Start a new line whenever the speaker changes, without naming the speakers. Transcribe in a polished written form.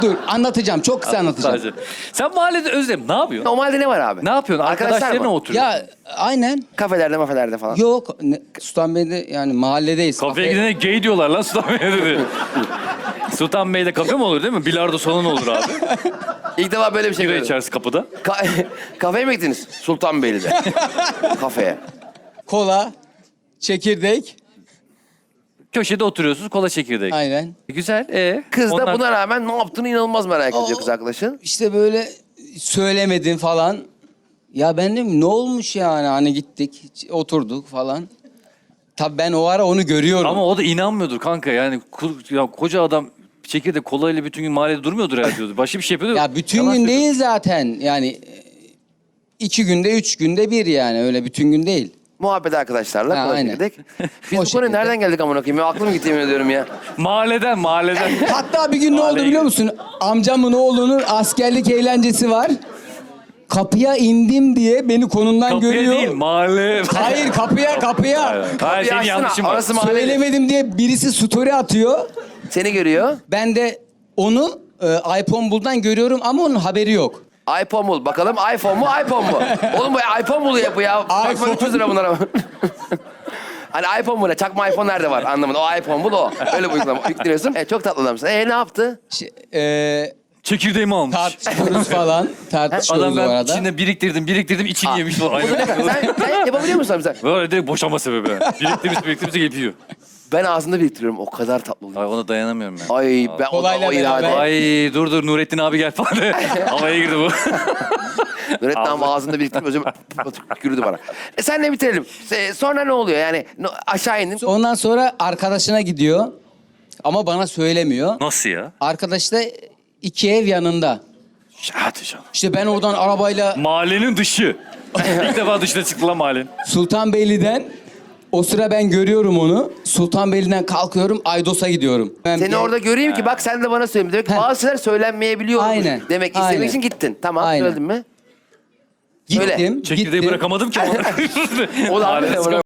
Dur anlatacağım. Çok kısa anlatacağım.
Sadece. Sen mahallede Özlem ne yapıyorsun?
Normalde ne var abi?
Ne yapıyorsun?
Arkadaşlar
Arkadaşlarına
mı?
oturuyorsun.
Ya aynen.
Kafelerde mafelerde falan.
Yok. Sultanbeyli'de yani mahalledeyiz.
Kafeye gidene gay diyorlar lan Sultanbey'de dedi. Sultanbey'de kafe mi olur değil mi? Bilardo salonu olur abi.
İlk defa böyle bir şey
Bira
gördüm.
içerisi kapıda.
Kafeye mi gittiniz? Sultanbeyli'de. Kafeye.
Kola, çekirdek.
Köşede oturuyorsunuz kola çekirdek.
Aynen.
Güzel.
Kız da
Ondan-
buna rağmen ne yaptığını inanılmaz merak ediyor kız arkadaşın.
İşte böyle söylemedin falan. Ya ben dedim ne olmuş yani hani gittik oturduk falan. Tabii ben o ara onu görüyorum.
Ama o da inanmıyordur kanka yani ya koca adam çekirdek kolayla bütün gün mahallede durmuyordur herhalde diyordu. Başka bir şey yapıyordu.
Ya bütün
Yalan
gün
söylüyor.
değil zaten yani 2 günde 3 günde bir yani öyle bütün gün değil.
Muhabbet arkadaşlarla
Ha,
kola
aynen.
çekirdek. Biz
O
bu konuya
şekilde.
nereden geldik amına koyayım? Ya aklım gitti yemin ediyorum ya.
Mahalleden.
Hatta bir gün ne oldu
Mahalleye
biliyor musun? Amcamın oğlunun askerlik eğlencesi var. Kapıya indim diye beni konumdan
Kapıya
görüyor.
değil mahalle.
Hayır kapıya.
Hayır senin
açsana,
yanlışın var.
orası mahalle.
Söylemedim diye birisi story atıyor.
Seni görüyor.
Ben de onu iPhone Bull'dan görüyorum ama onun haberi yok.
iPhone bul. Bakalım iPhone mu iPhone mu? Oğlum bu iPhone bul ya bu ya. Takma
iPhone.
300 lira bunlara. Hani iPhone bu ne? Çakma iPhone nerede var? Anlamadım. O iPhone bul o. Öyle bu uygulama. Yükleniyorsun. Çok tatlı adamsın. Ne yaptı?
Çekirdeğimi almış.
Tartışıyoruz falan. Tartışıyoruz
Adam
o
ben
arada.
içinde biriktirdim içini yemiş falan. Aynen.
Sen yapabiliyor musun abi sen?
Böyle direkt boşanma sebebi. Biriktirmiş yapıyor.
Ben ağzımda biriktiriyorum. O kadar tatlı oluyor.
Ay ona dayanamıyorum ben.
Ay ben
Kolayla
o irade.
beraber.
Ay dur Nurettin abi gel falan. Havaya girdi bu.
Nurettin abi ağzında biriktirip özüm yürüdü bana. Senle bitirelim. Sonra ne oluyor? Yani aşağı indin.
Ondan sonra arkadaşına gidiyor. Ama bana söylemiyor.
Nasıl ya?
Arkadaş da 2 ev yanında.
Hadi canım.
İşte ben oradan arabayla
Mahallenin dışı. İlk defa dışına çıktı lan mahallenin.
Sultanbeyli'den o sıra ben görüyorum onu. Sultanbeyli'den kalkıyorum Aydos'a gidiyorum.
Seni orada göreyim ki bak sen de bana söyle. Demek ki bazı şeyler söylenmeyebiliyor.
Aynen,
Demek ki
aynen.
istemek için gittin. Tamam
Aynen.
söyledin mi?
Gittim.
Çekirdeği
gittim.
bırakamadım ki.
O da
Mahallesi